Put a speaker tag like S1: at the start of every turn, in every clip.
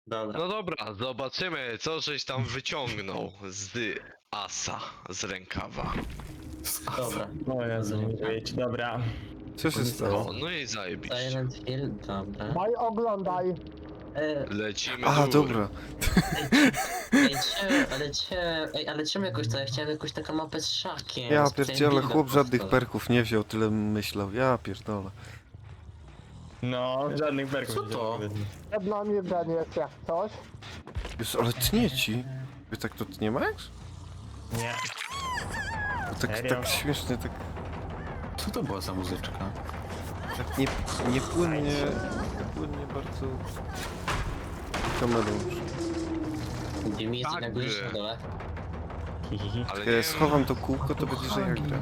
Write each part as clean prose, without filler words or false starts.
S1: Dobra.
S2: No dobra, zobaczymy, co żeś tam wyciągnął z asa, z rękawa.
S1: Dobra.
S3: O Jezu, nie wyjdź. Dobra.
S4: Co się stało?
S2: O, no i zajebiście.
S1: Silent Hill, dobra.
S5: Daj oglądaj.
S2: Lecimy
S4: A,
S2: do góry.
S4: dobra.
S1: Ale czemu jakoś to? Ja chciałem jakąś taką mapę z szakiem.
S4: Ja
S1: specjalnie
S4: pierdzielę,
S1: builda
S4: chłop żadnych
S1: powstał.
S4: perków nie wziął, tyle myślał. Ja pierdolę.
S3: No, żadnych berków.
S6: Co to?
S5: Przed nami Ben jest jak coś.
S4: Już, ale tnie ci. Wy tak to tnie, Max?
S3: Nie.
S4: Tak,
S3: Serio?
S4: tak śmiesznie, tak,
S6: Co to była za muzyczka?
S4: tak niepłynnie bardzo kamerą.
S1: Jimmy jest
S2: Tak,
S1: na górze na dole.
S3: Hihihi.
S2: Ale
S4: Jak
S2: nie,
S4: ja schowam to kółko, to będzie, że ja gram.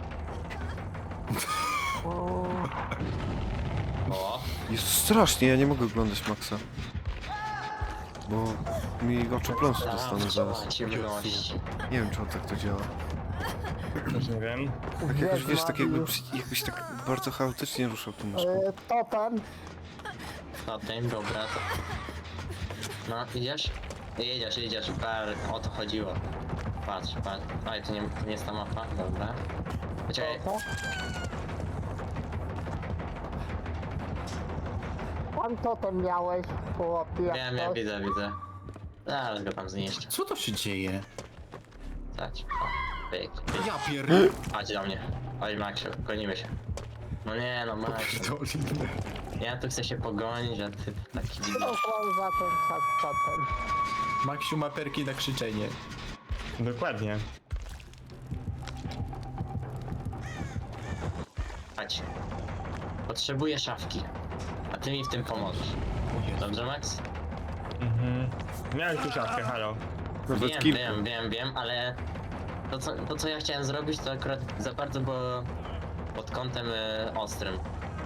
S1: O,
S4: Jest strasznie, ja nie mogę oglądać Maxa. Bo mi oczopląsu dostanę zaraz.
S1: ciemność.
S4: Nie wiem, czy on tak to działa.
S3: Też nie wiem.
S4: Tak jakoś, wiesz, tak jakby,
S5: Wiedźma
S4: jakbyś tak bardzo chaotycznie ruszał tą myszką.
S5: Totem.
S1: No ten, dobra. To... No, idziesz? Jedziesz. O to chodziło. Patrz. Oj, to nie jest ta mapa, dobra. Poczekaj,
S5: Co? Pan totem miałeś, chłopie, jak
S1: wiem,
S5: coś.
S1: widzę. Zaraz go tam zniszczę.
S6: Co to się dzieje?
S1: Stać. O, pyk.
S6: Ja pierdolę.
S1: Chodź do mnie. Oj, Maxiu, gonimy się. No nie, no Maxiu. Ja tu chcę się pogonić, a ty taki dziwny.
S5: Co on za ten czas totem?
S6: Maksiu ma perki na krzyczenie.
S3: Dokładnie.
S1: Chodź. Potrzebuję szafki. A ty mi w tym pomożesz. Dobrze, Max?
S3: Mhm. Miałeś tu szafkę, halo.
S4: Nawet
S1: Wiem,
S4: kilku.
S1: wiem, ale to co ja chciałem zrobić, to akurat za bardzo było pod kątem ostrym.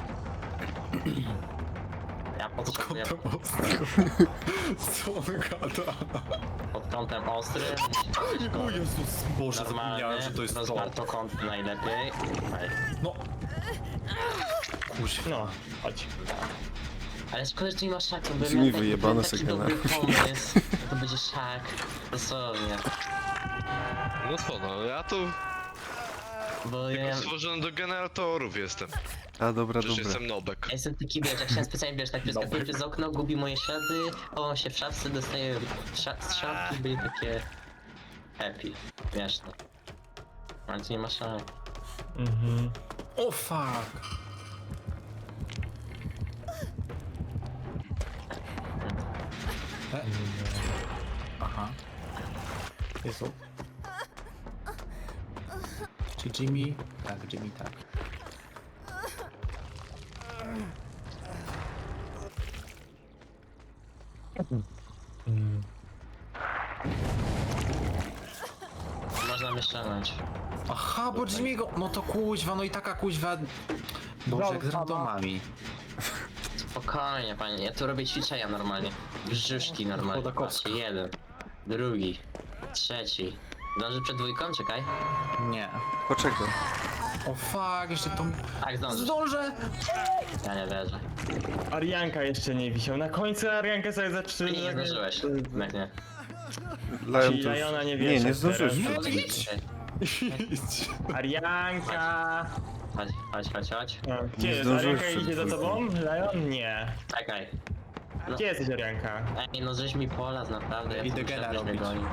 S1: Ja potrzebuję
S6: Co on gada?
S1: pod kątem ostrym,
S6: O Jezus Boże,
S1: normalny,
S6: zapomniałem, że to jest to.
S1: rozwartokątny najlepiej. Ej.
S6: No. Kuźwa.
S3: No, chodź.
S1: Ale szkoda, że tu nie ma szaku, bo
S4: Brzmi
S1: miałem
S4: wyjebane
S1: taki
S4: sekena.
S1: dobry pomysł, to będzie szak, dosłownie.
S2: no co no, ja tu
S1: Bo ja,
S2: tylko stworzony do generatorów jestem.
S4: A, dobra,
S2: Przecież
S4: dobra.
S2: jestem nobek.
S1: ja jestem taki, wiesz, jak chciałem specjalnie, wiesz, tak przeskakuję przez okno, gubi moje ślady, chowam się w szafce, dostaję z szafki, byli takie happy, śmieszne. Ale tu nie ma szak.
S3: Mhm.
S6: O fuck. Aha. Jezu. Czy Jimmy? Tak, Jimmy tak.
S3: Mm.
S1: Można mnie ściągnąć.
S6: Aha, bo Jimmy'ego... No to kuźwa, no i taka kuźwa... Boże, jak z randomami.
S1: Spokojnie, panie, ja tu robię ćwiczenia normalnie. Brzuszki normalnie,
S6: Chodakowska.
S1: patrzcie, jeden, drugi, trzeci. Zdąży przed dwójką? Czekaj.
S6: Nie.
S4: Poczekaj.
S6: O fuck, jeszcze to...
S1: Tak, zdążysz.
S6: Zdążę!
S1: Ja nie wierzę.
S3: Arianka jeszcze nie wisiał. Na końcu Ariankę sobie
S1: Ty
S3: zatrzyma.
S1: nie zdążyłeś. Jak nie.
S4: Lion
S3: Czyli
S4: to
S3: Liona nie
S4: już...
S3: wiesz,
S4: Nie, nie
S3: jak
S4: zdążyłeś.
S3: teraz.
S1: Chodź,
S6: idź. Idź.
S3: Arianka!
S1: Chodź.
S3: No, gdzie
S4: Nie
S3: jest?
S4: zdążyłeś
S3: Arianka
S4: przed
S3: idzie za tobą?
S4: dwójką.
S3: Lion? Nie.
S1: Czekaj. No.
S3: Gdzie jesteś, Arianka?
S1: Ej, no żeś mi polas, naprawdę. Ja
S6: Idę
S1: tu
S6: gena
S1: żebyś mnie
S6: robić.
S1: gonił.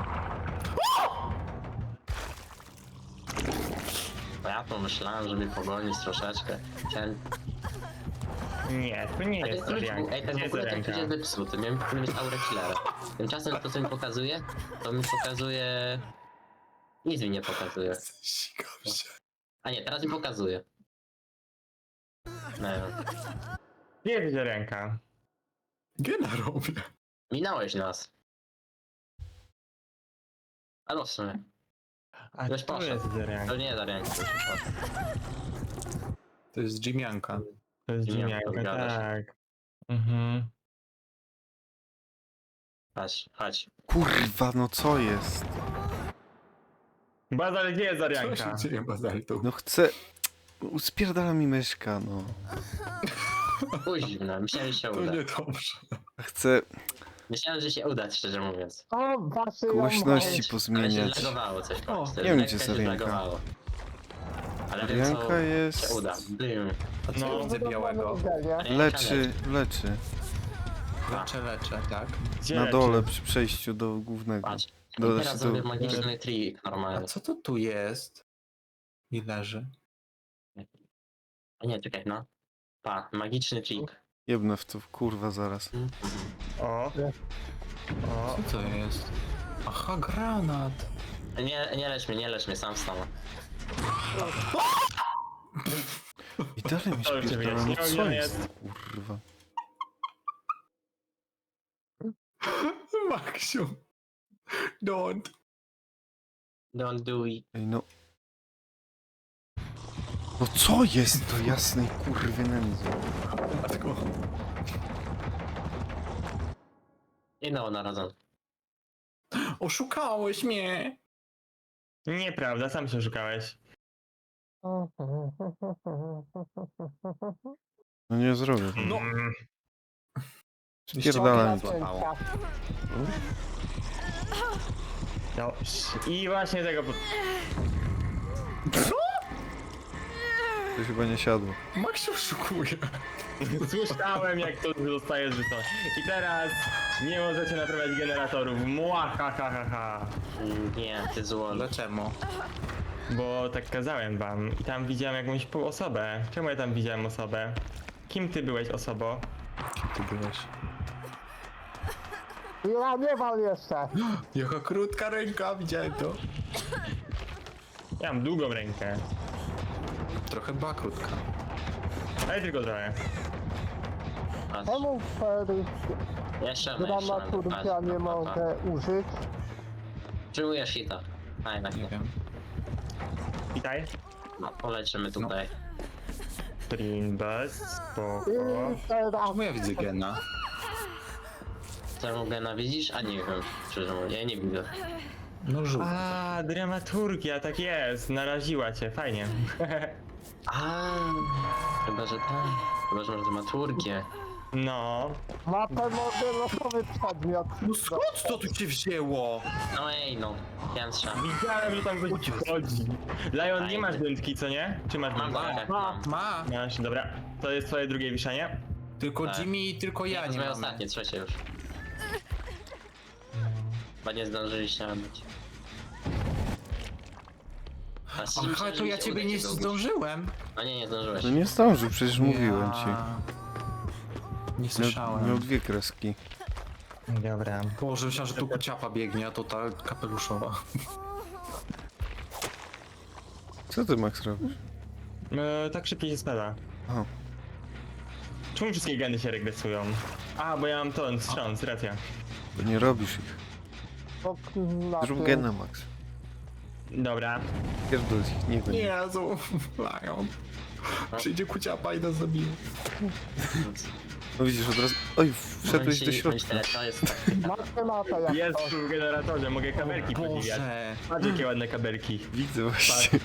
S1: Bo ja pomyślałem, żeby pogonić troszeczkę. Chciałem...
S3: Nie, to nie
S1: Ej,
S3: jest
S1: ten
S3: Arianka.
S1: ej, ten
S3: Gdzie
S1: w
S3: jest
S1: ogóle ten
S3: Arianka?
S1: klucz jest zepsuty. Miałem powinien mieć aurę killera. Tymczasem to co mi pokazuje, to mi pokazuje... Nic mi nie pokazuje.
S6: Sikam się.
S1: A nie, teraz mi pokazuje. Nie wiem.
S3: Gdzie jest Arianka?
S6: Gena robię.
S1: Minąłeś nas. Albo w sumie.
S3: A
S1: Weź
S3: tu
S1: poszedł.
S3: jest Arianka.
S1: To nie jest Arianka.
S6: To jest Jimmyanka.
S3: To jest
S1: Nie,
S3: Jimianka,
S1: to zgadza się.
S3: tak. Mhm.
S1: Chodź.
S4: Kurwa, no co jest?
S3: Bazal, gdzie jest
S6: Co
S3: Arianka?
S6: się dzieje, Bazaltu?
S4: No chcę... Spierdala mi myszka, no.
S1: Kuźna, myślałem, że się
S6: To
S1: uda.
S6: niedobrze.
S4: Chcę...
S1: Myślałem, że się uda, szczerze mówiąc.
S5: O, wasze
S4: Głośności
S1: Ale się
S4: pozmieniać.
S1: zlagowało coś.
S6: O,
S1: patrzcie,
S4: nie wiem,
S1: lekko
S4: gdzie
S1: się
S4: jest ręka.
S1: zlagowało. Ale wiem, co
S4: Ręka jest...
S1: się uda. Bym.
S6: A co
S3: No.
S6: ja widzę białego?
S4: Leczy, leczy.
S6: Leczę, tak?
S3: Gdzie
S4: Na
S3: leczy?
S4: dole przy przejściu do głównego.
S1: Patrz.
S4: Do,
S1: I teraz zrobię
S4: do,
S1: magiczny trik
S6: A
S1: normalny.
S6: co to tu jest? I leży.
S1: O nie, czekaj, no. Pa, magiczny trik.
S4: jebnę w to, kurwa, zaraz.
S3: O. O.
S6: Co to jest? Aha, granat.
S1: Nie lecz mnie, sam wstanę.
S4: I dalej mi
S3: To już się
S4: spierdala, no
S3: wyjaśniło,
S4: co
S3: gdzie
S4: jest? Kurwa.
S6: Maksiu. Don't.
S1: Don't do it.
S4: Ej, no. No co jest to jasnej kurwy nędzy?
S6: Dlatego...
S1: I nowonarodzony.
S6: Oszukałeś mnie!
S3: Nieprawda, sam się szukałeś.
S4: No nie zrobię.
S6: No.
S3: Mm.
S4: Spierdalaj.
S3: No. I właśnie tego...
S4: To chyba nie siadło.
S6: Maksiu oszukuje.
S3: Słyszałem, jak to zostaje rzucone. I teraz nie możecie naprawiać generatorów. Mła, ha, ha, ha, ha.
S1: Nie, ty zło.
S6: Dlaczego?
S3: Bo tak kazałem wam. I tam widziałem jakąś osobę. Czemu ja tam widziałem osobę? Kim ty byłeś, osobo?
S6: Ty byłeś.
S5: Ja nie wal jeszcze.
S6: Jaka krótka ręka, widziałem to.
S3: Ja mam długą rękę.
S6: Trochę była krótka.
S3: Ale tylko trochę.
S1: Patrz.
S5: Czemu Ferry
S1: Jeszcze
S5: dramaturgia nie mogę użyć?
S1: Przyjmujesz hita. A jednak
S6: Nie
S1: nie.
S6: wiem.
S3: Witaj.
S1: No, poleczymy tutaj.
S3: Streambus, spoko.
S5: I teraz
S6: Czemu ja widzę gena?
S1: Co Gena widzisz? A nie wiem. Szczerze mówiąc, ja nie widzę.
S6: No żółty.
S3: A, dramaturgia, tak jest. Naraziła cię, fajnie.
S1: A, chyba, że tak. Chyba, że masz dramaturgię.
S3: No.
S5: matematycznie losowy przedmiot.
S6: No skąd to tu się wzięło?
S1: No ej, no. Piętrza.
S3: Widziałem, że tam ktoś chodzi. Lion, nie masz dętki, co nie? Czy masz
S1: Mam
S3: dętkę?
S1: tak, mam.
S6: Ma.
S3: Masz, dobra. To jest twoje drugie wiszenie?
S6: Tylko
S1: Tak.
S6: Jimmy i tylko
S1: Ja
S6: ja
S1: to
S6: nie
S1: moje
S6: mamy.
S1: ostatnie, trzecie już. Chyba nie zdążyliście nabyć.
S6: Aha, to ja ciebie nie zdążyłem.
S1: No nie zdążyłeś.
S4: No nie zdążył, przecież mówiłem ci.
S6: Nie słyszałem.
S4: Miał dwie kreski.
S3: Dobra.
S6: Boże, myślałem, że tu kuciapa biegnie, a to ta kapeluszowa.
S4: Co ty, Max, robisz?
S3: Tak szybciej się spada.
S4: Aha.
S3: Czemu wszystkie geny się regresują? A, bo ja mam to, wstrząs, racja.
S4: Bo nie robisz ich. Zrób gena, Max.
S3: Dobra.
S4: Pierdol ich, nie go nie.
S6: Jezu, Lion. Przyjdzie kuciapa i nas zabije.
S4: No widzisz, od razu... Oj, wszedłeś do środka.
S1: To jest tak.
S5: Matematyka jak
S3: Jest
S5: to.
S3: tu w generatorze, mogę kabelki podziwiać.
S6: Boże.
S3: Patrz jakie ładne kabelki.
S4: Widzę
S3: Patrz.
S4: właśnie.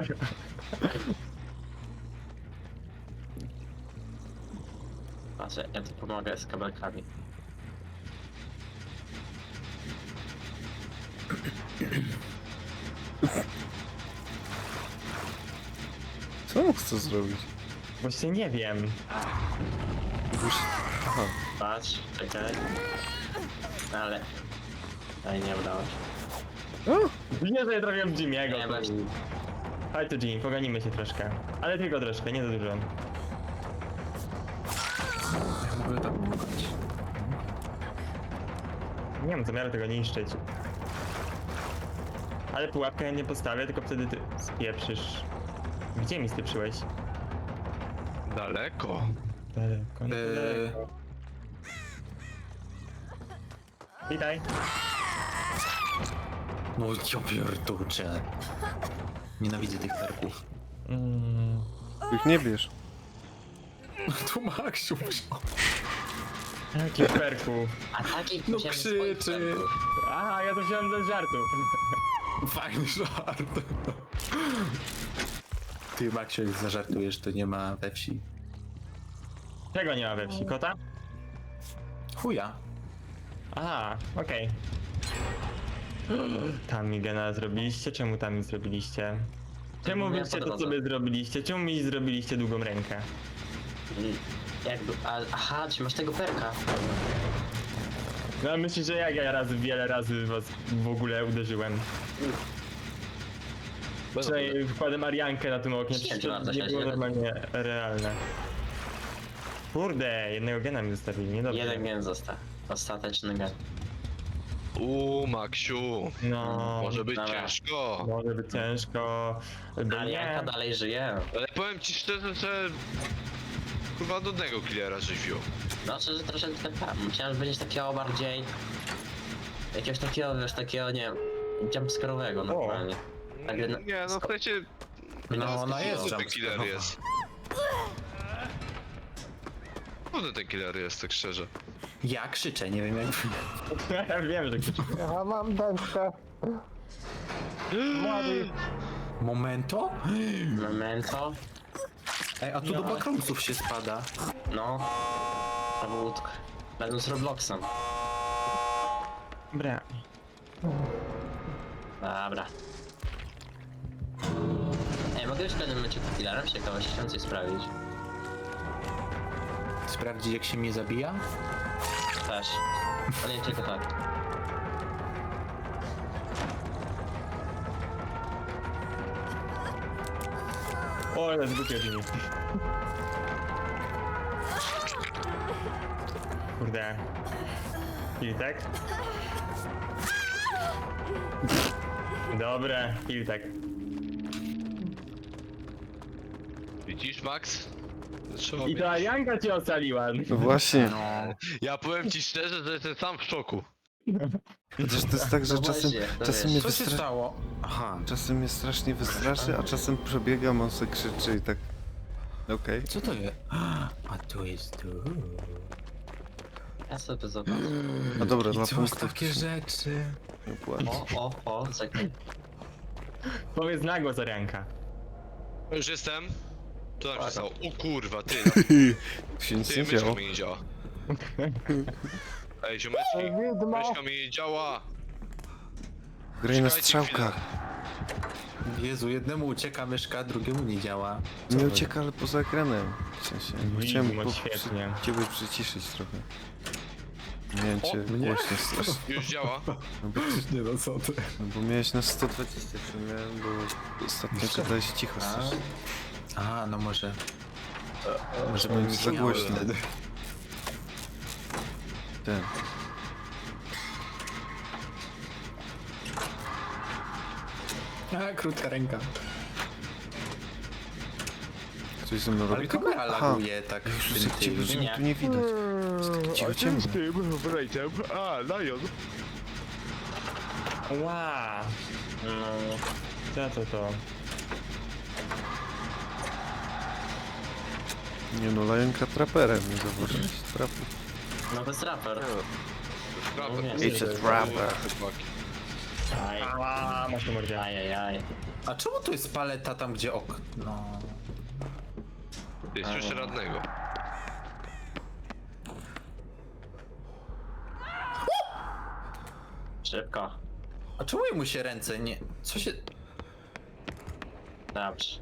S1: Patrz, ja tu pomogę z kabelkami.
S4: Co on chce zrobić?
S3: Właśnie nie wiem.
S4: Już... Aha.
S1: Patrz, czekaj. Ale... Ej, nie udało się.
S4: O!
S3: Nie, że ja trafiłem Jimmy'ego.
S1: Nie,
S3: tu.
S1: właśnie.
S3: Chodź tu Jimmy, poganimy się troszkę. Ale tylko troszkę, nie za dużo.
S6: Ja mogę tak pomagać.
S3: Nie mam zamiaru tego niszczyć. Ale pułapkę ja nie postawię, tylko wtedy ty spieprzysz. Gdzie mi spieprzyłeś?
S2: Daleko.
S3: Daleko, daleko. Witaj.
S6: No ja pierdolę. Nienawidzę tych perków.
S4: Ich nie bierz.
S6: Tu Maksiu wziął.
S3: Jaki perku.
S1: A taki
S6: No
S1: chciałem
S6: krzyczy.
S1: swoich
S3: Aha, ja to wziąłem do żartu.
S6: Fajny żart. Ty Maksiu, jak zażartujesz, to nie ma we wsi.
S3: Czego nie ma we wsi? Kota?
S6: Chuja.
S3: Aha, okej. Tam mi gena zrobiliście? Czemu tam mi zrobiliście? Czemu
S1: Nie,
S3: wyście
S1: po
S3: to
S1: drodze.
S3: sobie zrobiliście? Czemu mi zrobiliście długą rękę?
S1: Jakby, aha, czy masz tego perka?
S3: No myślisz, że jak ja wiele razy was w ogóle uderzyłem? Przynajmniej wkładem Ariankę na tym oknie, przecież to nie było normalnie realne. Kurde, jednego gena mi zostawili, niedobrze.
S1: Jeden gen został. Ostateczny gen.
S2: Maksiu.
S3: No,
S2: Może być
S1: dobra.
S2: ciężko.
S3: może być ciężko. Bo
S1: Arianka
S3: nie.
S1: dalej żyje.
S2: Ale powiem ci szczerze, że... Kurwa nudnego killera żeś wziął.
S1: Znaczy, że troszeczkę tam. Myślałem, że będziesz takiego bardziej... Jakiegoś takiego, wiesz, takiego, nie wiem, jumpscarowego normalnie. Tak,
S2: Nie, no w sensie...
S6: No, ona jest
S2: Ten killer
S6: jumpscare'owa.
S2: jest. Kurde ten killer jest, tak szczerze.
S6: Ja krzyczę, nie wiem jak...
S3: Ja wiem, że krzyczy.
S5: Ja mam dętkę. Młody.
S6: Momento?
S1: Memento.
S6: Ej, a tu do backroomsów się spada.
S1: No. Zawód. Będą z Robloxem.
S3: Dobra.
S1: Dobra. Ej, mogę już w pewnym momencie killerem z ciekawości chciałem coś sprawdzić.
S6: Sprawdzić jak się mnie zabija?
S1: Też. Ale nie tylko tak.
S3: O, ale zgubię mi. Kurde. Kiltek? Dobre, kiltek.
S2: Widzisz, Max? Trzeba
S3: I
S2: mieć.
S3: to Arianka cię ocaliła.
S4: No właśnie.
S6: No.
S2: Ja powiem ci szczerze, że jestem sam w szoku.
S4: Chociaż to jest tak, że
S1: No
S4: czasem,
S1: właśnie, to
S4: czasem,
S1: wiesz.
S4: mnie
S6: Co się
S4: wystra...
S6: stało? Aha.
S4: czasem mnie strasznie wystraszy, a czasem przebiegam, on se krzyczy i tak... Okej.
S6: Co to jest? A tu jest tu.
S1: Ja sobie zobaczę.
S4: A dobra,
S6: I
S4: dla
S6: co
S4: punktów
S6: takie
S4: to się
S6: rzeczy?
S4: nie płaci.
S1: O, czekaj.
S3: Powiedz na głos Arianka.
S2: Już jestem. Co tam się stało? O kurwa, ty,
S4: Tu się nic
S2: ty,
S4: nie
S2: myszka
S4: działo.
S2: mi nie działa. Ej, ziomeczki,
S5: Widmo.
S2: myszka mi nie działa.
S4: Graj na
S2: Czekajcie
S4: strzałkach.
S6: Jezu, jednemu ucieka myszka, drugiemu nie działa. Co
S4: Nie
S6: to
S4: ucieka, ale poza ekranem. W sensie, bo chciałem
S3: Widmo, świetnie.
S4: ciebie przyciszyć trochę. Miałem cię
S6: mnie?
S4: głośno strasznie.
S2: Już działa.
S4: No bo,
S6: Nie no, co ty?
S4: no bo miałeś na 120, co miałem, bo ostatnio gadałeś cicho strasznie.
S6: A, no może... Może
S4: Bo
S6: bym
S4: jest za głośno.
S6: wtedy.
S4: Ten.
S6: A, krótka ręka.
S4: Coś ze mną
S6: Ale
S4: robi?
S6: kamera
S4: Aha.
S6: laguje tak
S4: Już
S6: w tym
S4: jak ciebie,
S6: tym.
S4: że mnie tu nie widać. Cicho, ciemno.
S3: Ła.
S1: No,
S3: Co to?
S4: Nie no, Lajenka traperem, nie zauważyłeś? Traper.
S1: no to jest raper.
S2: Trapper.
S1: Nie,
S4: It's a trapper.
S1: Aj,
S3: Ała, masz to mordzie.
S1: aj.
S6: A czemu tu jest paleta tam, gdzie okno?
S2: Ty, słyszę radnego.
S1: Szybko.
S6: A czemu mu się ręce nie... Co się...
S1: Dobrze.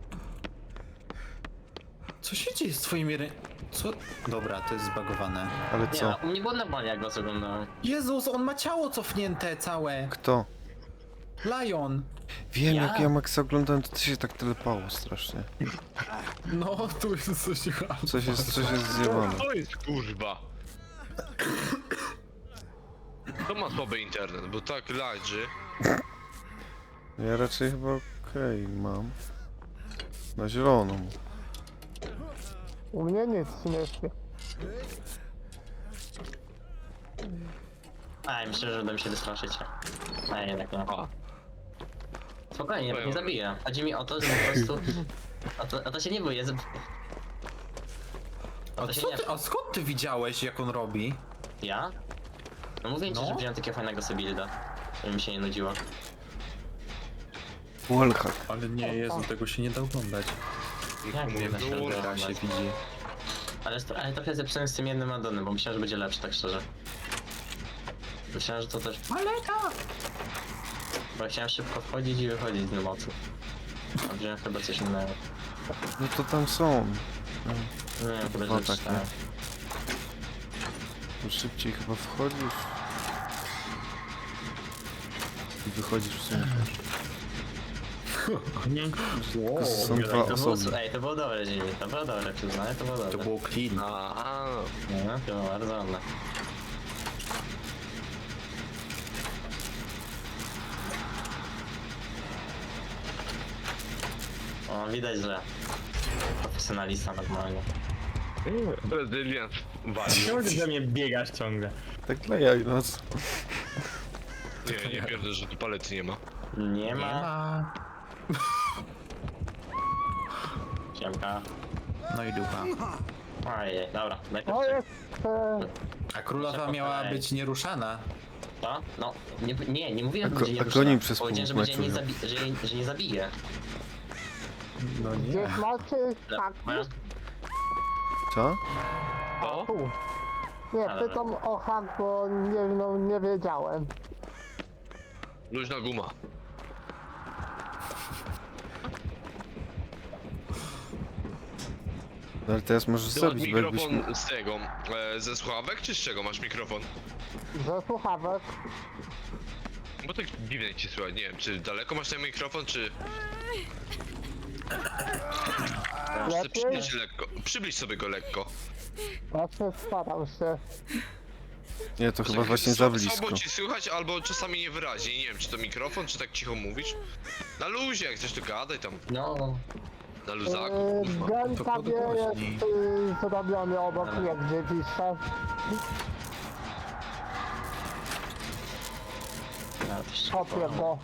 S6: Co się dzieje z twoimi rę... Co? Dobra, to jest zbagowane.
S4: Ale
S1: Nie,
S4: co?
S1: u mnie było normalnie jak go oglądałem.
S6: Jezus, on ma ciało cofnięte całe.
S4: Kto?
S6: Lion.
S4: Wiem,
S1: Ja?
S4: jak ja Maxa oglądałem, to ty się tak telepało strasznie.
S6: No, tu jest coś...
S4: Coś jest zjebane.
S2: To jest kurwa. To ma słaby internet, bo tak lagrzy.
S4: Ja raczej chyba okej mam. Na zieloną.
S5: U mnie nic nie się.
S1: Aj, myślę, że uda mi się wystraszyć. Aj, jednak nie.
S2: A.
S1: Spokojnie, nie zabiję. Chodzi mi o to, że po prostu... O to się nie boję. O
S6: A,
S1: to się
S6: co
S1: nie...
S6: ty, a skąd ty widziałeś, jak on robi?
S1: Ja? No mówię ci,
S6: No.
S1: że wziąłem takiego fajnego sobie builda, żeby mi się nie nudziło.
S4: Wallhack.
S6: Ale nie, Jezu, tego się nie da oglądać.
S1: Jak
S2: Mówię,
S1: nie da się
S2: było
S6: Teraz się
S1: oglądać?
S6: widzi.
S1: Ale trochę zepsułem z tym jednym addonem, bo myślałem, że będzie lepszy, tak szczerze. Myślałem, że to też...
S6: Paleta!
S1: Bo chciałem szybko wchodzić i wychodzić z mocy. A wziąłem chyba coś innego.
S4: No to tam są. No,
S1: Nie wiem, chyba
S4: No
S1: że
S4: tak,
S1: czytałem.
S4: to szybciej chyba wchodzisz. I wychodzisz w sumie też. Tylko są dwa
S1: To było,
S4: osoby.
S1: ej, to było dobre, Jimmy, to było dobre, przyznaję, to było dobre.
S6: To było clean.
S2: A,
S1: No, to było bardzo ładne. O, widać, że profesjonalista normalnie.
S2: Rezylians walił.
S3: Czemu ty ze mnie biegasz ciągle?
S4: Tak dla jaj, no co?
S2: Nie pierdolę, że tu palety nie ma.
S1: Nie
S6: Nie
S1: ma.
S6: ma.
S1: Siemka.
S6: No i dupa.
S1: Ojej, dobra, najpierw
S5: To
S1: czek-
S5: jest...
S6: A królowa miała być nieruszana.
S1: to? No, nie mówiłem, że
S4: A
S1: będzie
S4: go-
S1: nie
S4: a
S1: rusza.
S4: goni przez
S1: Powiedziałem, że
S4: pół
S1: będzie nie
S4: meczu,
S1: że nie zabije.
S6: No
S5: Gdzieś macie haki?
S1: Moja-
S4: Co?
S2: O?
S5: Tu. Nie,
S1: Ale-
S5: pytam o hak, bo nie, no, nie wiedziałem.
S2: Luźna guma.
S4: No ale teraz możesz
S2: Ty masz
S4: zabić, bo jakbyś...
S2: mikrofon z tego, ze słuchawek, czy z czego masz mikrofon?
S5: Ze słuchawek.
S2: Bo tak dziwnie ci słychać, nie wiem, czy daleko masz ten mikrofon, czy... Muszę
S5: Lepiej?
S2: przybliż lekko, przybliż sobie go lekko.
S5: Właśnie staram się.
S4: Nie, to chyba właśnie za
S2: Słabo
S4: blisko.
S2: ci słychać, albo czasami niewyraźnie, nie wiem, czy to mikrofon, czy tak cicho mówisz? Na luzie, jak chcesz to gadaj tam,
S1: No,
S2: na luzaku, kurwa.
S5: Gen
S6: to
S5: sobie jest
S6: podgłośnij.
S5: zrobiony obok
S1: Ale-
S5: mnie, gdzie piszę.
S1: ja też
S5: Kopię go.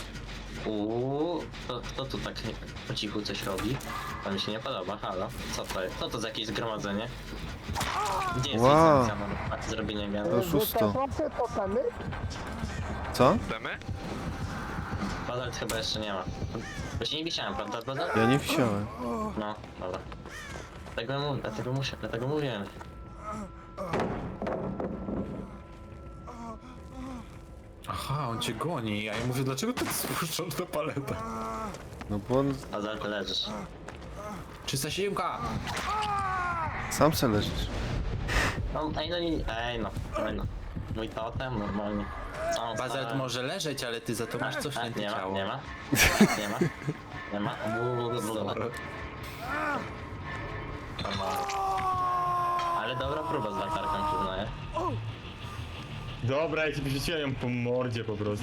S1: kto tu tak po cichu coś robi? To mi się nie podoba, halo. Co to jest? Co to za jakieś zgromadzenie? Gdzie jest
S4: Wow.
S1: licencja na zrobienie
S4: To
S1: gena?
S5: Wy
S4: szósto.
S5: też macie totemy?
S4: Co?
S2: Demy?
S1: Bazalt chyba jeszcze nie ma. Bo się nie wisiałem, prawda, Bazalt?
S4: Ja nie wisiałem.
S1: No, dobra. Dlatego mówiłem.
S6: Aha, on cię goni, a ja mówię, dlaczego tak spuszczasz na paletę?
S4: No bo on
S1: Bazalt, leżysz.
S6: 307!
S4: sam se leżysz.
S1: No, ej no. Mój totem, normalnie. Całą
S6: Bazalt
S1: stronę-
S6: może leżeć, ale ty za to masz cofnięte
S1: nie ma,
S6: ciało.
S1: nie ma. Nie ma. Nie ma. Normalnie. Ale dobra próba z latarką, przyznaję.
S3: Dobra, ja ci wyrzuciłem ją po mordzie po prostu.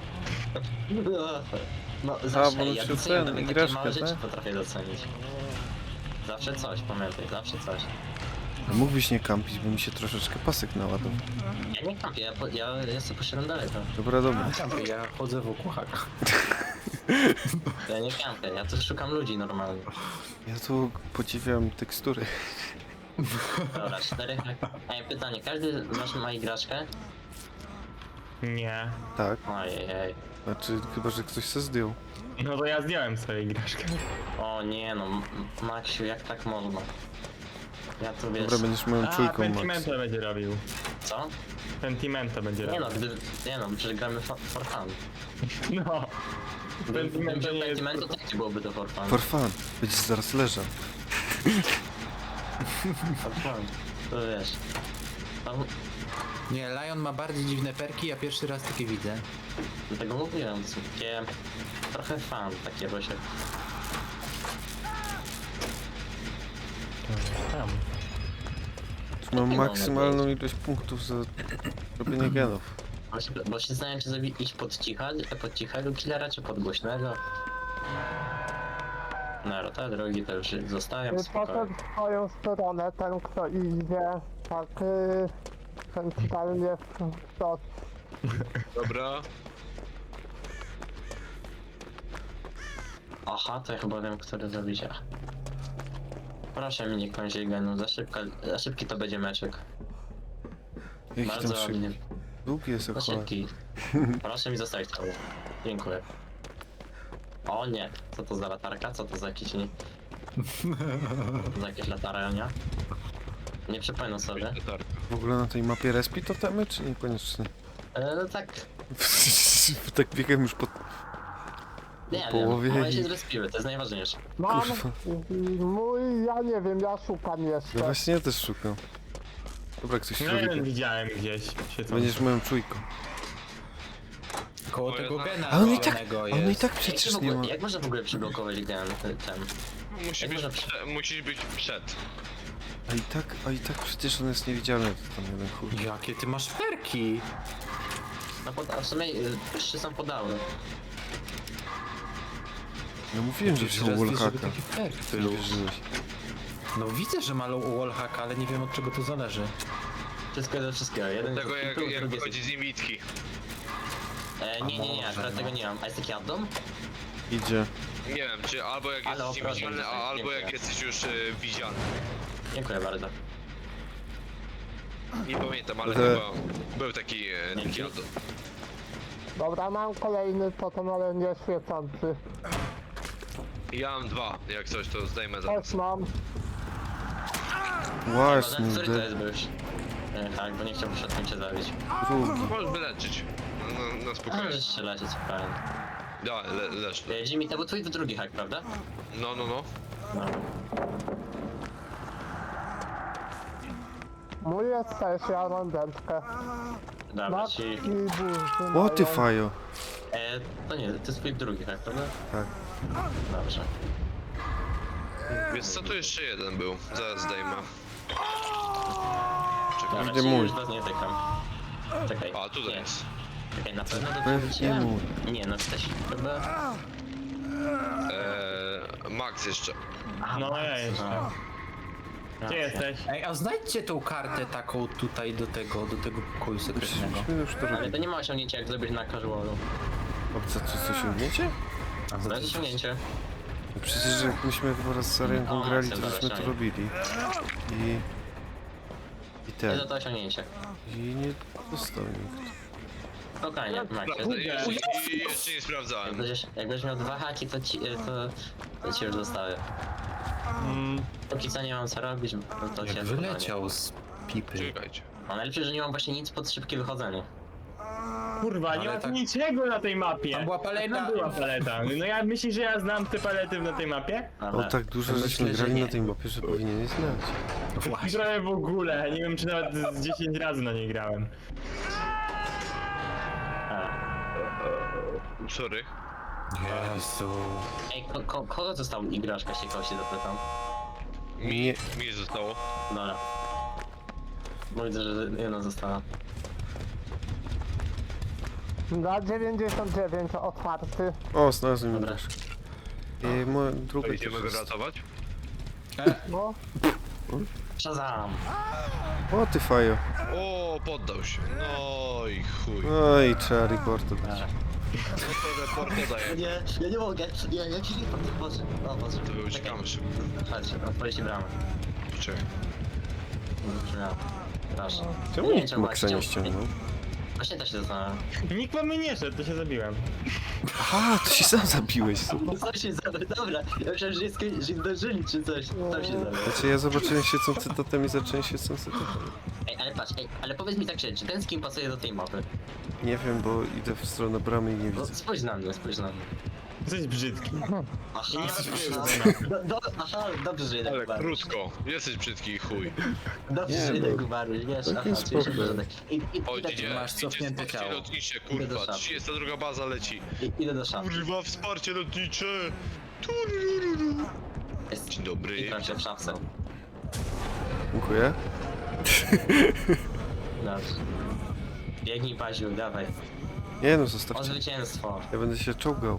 S1: No
S4: bo
S1: zawsze,
S4: on
S1: ja
S4: się
S1: doceniam
S4: ten,
S1: takie
S4: igraszkę,
S1: małe rzeczy
S4: tak?
S1: potrafię docenić. Zawsze coś, pamiętaj, zawsze coś.
S4: A mógłbyś nie kampić, bo mi się troszeczkę pasek naładował.
S1: Ja nie kampię, ja sobie poszedłem daleko.
S4: Dobra, dobra.
S6: Ja chodzę wokół haka.
S1: Ja nie kampię, ja tu szukam ludzi normalnie.
S4: Ja tu podziwiam tekstury.
S1: Dobra, 4 Ej, pytanie, każdy z was ma igraszkę?
S3: Nie.
S4: Tak,
S1: Ojej.
S4: znaczy chyba, że ktoś se zdjął.
S3: No to ja zdjąłem swoją igraszkę.
S1: O nie no, Maksiu, jak tak można? Ja tu wiesz...
S4: Dobra, będziesz moją
S3: A,
S4: czujką, Max.
S3: Pentimento będzie robił.
S1: Co?
S3: Pentimento będzie
S1: Nie
S3: robił.
S1: no, nie no, przecież gramy for fun.
S3: No.
S1: Gdybym
S3: Pentimento
S1: wziął
S3: nie jest...
S1: Pentimento, to gdzie byłoby to for fun?
S4: For fun. Będziesz zaraz leżał.
S1: For fun. To wiesz. Tam,
S6: Nie, Lion ma bardziej dziwne perki, ja pierwszy raz takie widzę.
S1: dlatego mówiłem, to są takie... Trochę fan takie, bo się...
S3: Tam.
S4: Tu mam
S1: Jaki
S4: maksymalną
S1: moment
S4: ilość punktów za robienie genów.
S1: Bo się zastanawiam, czy sobie iść pod cichego killera, czy pod głośnego. No, te drogi to już zostawiam spokojnie.
S5: Poszedł w swoją stronę, ten kto idzie, tak centralnie w to.
S2: Dobra.
S1: Aha, to ja chyba wiem, który zrobić. Proszę mi nie kończyć genu, za szybki to będzie meczek.
S4: Jaki tam
S1: Bardzo
S4: szybki.
S1: mnie,
S4: Długi jest
S1: za
S4: jak
S1: szybki. Proszę mi zostawić to. Dziękuję. O nie, co to za latarka? Co to za jakiś nie... za jakieś latarenia? Nie przypomnę sobie.
S2: Latarka.
S4: W ogóle na tej mapie respi totemy, czy niekoniecznie?
S1: No tak,
S4: Tak biegam już po...
S1: nie
S4: połowie
S1: wiem, moje
S4: i-
S1: się zrespiły, to jest najważniejsze.
S5: Mam
S4: Kurwa.
S5: mój, ja nie wiem, ja szukam
S4: No
S5: jeszcze.
S4: właśnie ja też szukam. Dobra, ktoś
S3: No
S4: robi...
S3: jeden widziałem gdzieś. Świecący.
S4: Będziesz moją czujką.
S6: Koło
S2: Moje
S6: tego
S2: zna-
S6: gena
S4: A on i tak,
S6: zielonego
S4: a on i
S6: jest.
S4: tak
S1: Jak,
S4: przecież
S1: w
S4: nie
S1: ogóle,
S4: ma...
S1: jak można w ogóle przyblokować ten?
S2: Musi
S1: Jak
S2: być,
S1: można
S2: musisz być przed.
S4: A i tak przecież on jest niewidzialny, to tam jeden chuj.
S6: Jakie ty masz perki?
S1: No w sumie 3 są podały.
S4: No mówiłem, że wziął
S6: Teraz wiesz, żeby
S4: wallhacka.
S6: taki perk
S4: Ty
S6: był.
S4: nie wierzyłeś.
S6: No widzę, że ma wallhack, ale nie wiem od czego to zależy.
S1: Wszystko ze wszystkiego. Jeden
S2: Tego
S1: jest
S2: jak,
S1: drugi
S2: jak
S1: jest-
S2: wychodzi z niewidki.
S1: Nie,
S6: może,
S1: akurat
S6: no.
S1: tego nie mam. A jest taki addon?
S4: Idzie.
S2: Nie wiem, czy albo jak
S1: Ale
S2: jesteś
S1: proszę,
S2: niewidzialny, a
S1: nie
S2: albo
S1: wiem.
S2: jak jesteś już widzialny.
S1: Dziękuję bardzo.
S2: Nie pamiętam, ale
S4: Te-
S2: chyba był taki addon.
S5: Dobra, mam kolejny totem, ale nie świecący.
S2: Ja mam 2, jak coś to zdejmę zaraz.
S5: Też mam.
S4: Właśnie,
S1: Który to jest byś? Tak, bo nie chciałbym środkiem cię zabić.
S4: drugi.
S2: Możesz wyleczyć. Na
S1: A,
S2: spokojnie.
S1: możesz się lecieć, fajnie.
S2: Da, leż.
S1: Jimmy, to był twój drugi hack, prawda?
S2: No.
S1: No.
S5: Mój jest też, ja mam dętkę.
S1: Dobra,
S5: Matki
S1: ci...
S5: burzy
S4: What the
S5: mają.
S4: fajo?
S1: To nie, to jest twój drugi hack, prawda?
S4: Tak.
S1: Dobrze.
S2: Więc co tu jeszcze jeden był? Zaraz zdejmę.
S1: Dobra,
S4: Gdzie
S1: ci
S4: mój?
S1: już was nie tykam. Czekaj.
S2: A, tutaj
S1: Nie.
S2: jest.
S1: Czekaj, na pewno do
S4: Pewnie
S1: ciebie wróciłem?
S4: mój.
S1: Nie, no też chyba...
S2: Max jeszcze.
S3: No ja jeszcze. Gdzie jesteś?
S6: Ej, a znajdźcie tą kartę taką tutaj do tego pokoju sekretnego.
S4: Myśmy już to
S1: Ale
S4: robili.
S1: to nie ma osiągnięcia jak zrobić na casualu.
S4: Obca, coś umiecie?
S1: To jest osiągnięcie.
S4: No przecież jak myśmy chyba raz z Arenką
S1: O,
S4: grali,
S1: Maxel,
S4: to
S1: dobra,
S4: żeśmy to
S1: ściągnij.
S4: robili. I
S1: Jest
S4: ten.
S1: za to osiągnięcie.
S4: I nie dostał nikt.
S1: Spokojnie, Max.
S2: Jeszcze nie sprawdzałem.
S1: Jak będziesz miał 2 haki, to ci już zostawię. Póki co nie mam co robić, bo to
S6: Jak
S1: się
S6: wyleciał z pipy.
S2: Czekajcie.
S1: A najlepsze, że nie mam właśnie nic pod szybkie wychodzenie.
S3: Kurwa, nie
S6: Ale
S3: ma tu
S6: tak-
S3: niczego na tej mapie.
S6: Tam była paleta.
S3: Tam była paleta. No ja myślisz, że ja znam te palety na tej mapie?
S4: O tak dużo
S1: Myślę,
S4: żeśmy
S1: że
S4: grali
S1: nie.
S4: na tej mapie, że powinieneś znać.
S6: Właśnie.
S3: Trochę w ogóle, nie wiem czy nawet z 10 razy na nie grałem.
S2: Sorry.
S6: Jezu.
S1: Ej, kogo został igraszka, się kogoś się zapytam?
S4: Nie.
S2: Mi zostało.
S1: Dobra. Bo widzę, że jedna została.
S5: Na 99 otwarty.
S4: O, znalazłem
S1: Dobra.
S4: igraszkę. I moja druga
S2: To
S4: też
S2: idziemy go
S4: jest.
S2: ratować?
S5: No,
S1: Shazam!
S4: O ty fajo.
S2: O, poddał się. No i chuj.
S4: Oj, trzeba reportu dać.
S2: No to report daje.
S1: Nie, ja nie mogę. Ja ci nie patrzę. O, patrz.
S2: To uciekamy szybko.
S1: Patrz, otworzycie bramę.
S2: Czekaj.
S1: Brzmiało. Proszę.
S4: Czemu
S1: Nie,
S4: nikt
S1: czemu
S4: Maxa nie
S1: właśnie-
S4: ściągnął?
S1: Właśnie też się zastanawiam.
S3: Nikt po mnie nie szedł, to się zabiłem.
S4: Aha, to się sam zabiłeś, super.
S1: Co się zabrał? Dobra, ja myślałem, że zdążyli czy coś. Co się zabrał?
S4: Znaczy ja zobaczyłem świecący totem i zacząłem świecący totem.
S1: Ej, ale patrz, ale powiedz mi tak szczerze, czy ten skin pasuje do tej mapy?
S4: Nie wiem, bo idę w stronę bramy i nie
S1: No,
S4: widzę.
S1: spójrz na mnie, spójrz na mnie.
S3: Jesteś brzydki.
S1: Aha,
S3: Nie ma
S1: aha, dobrze, że jednak
S2: Ale
S1: umarłeś.
S2: krótko. Jesteś brzydki i chuj.
S1: Dobrze,
S4: Nie,
S1: że
S4: no.
S1: jednak umarłeś, wiesz?
S4: Taki
S1: Aha, czyli się
S4: spoko.
S1: porządek.
S2: O,
S1: Idę
S2: idzie,
S6: masz cofnięte
S2: wsparcie
S6: ciało.
S2: lotnicze,
S1: Idę do
S2: kurwa.
S1: szafy.
S2: 32 baza leci.
S1: idę do szafy.
S2: Kurwa, wsparcie lotnicze. Turururu.
S1: Jest.
S2: Dzień dobry.
S1: I się w szafce.
S4: Dziękuję.
S1: Dobrze. Biegnij, Paziu, dawaj.
S4: Nie no,
S1: O
S4: zostawcie.
S1: zwycięstwo.
S4: Ja będę się czołgał.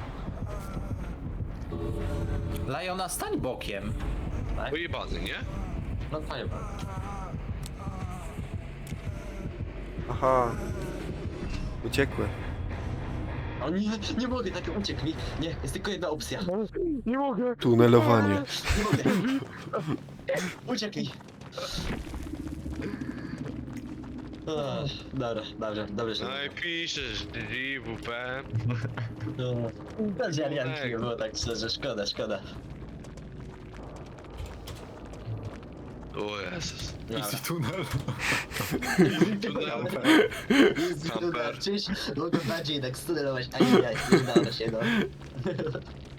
S6: Lajona, stań bokiem.
S1: Tak?
S2: Pojebany, nie?
S1: No fajnie.
S4: Aha. Uciekłem.
S1: O nie, nie mogę, tak uciekł mi. Nie, jest tylko jedna opcja.
S5: nie mogę.
S4: Tunelowanie.
S1: Nie mogę. Uciekł mi. Dobra, dobrze się.
S2: No i piszesz DWP.
S1: Bez Jarianki nie było tak szczerze, szkoda.
S2: O Jezus.
S6: Easy tunel.
S2: Tunel.
S1: Jest
S2: Kamper.
S1: Czyś, mogę bardziej tak studerować, a nie udało się, no.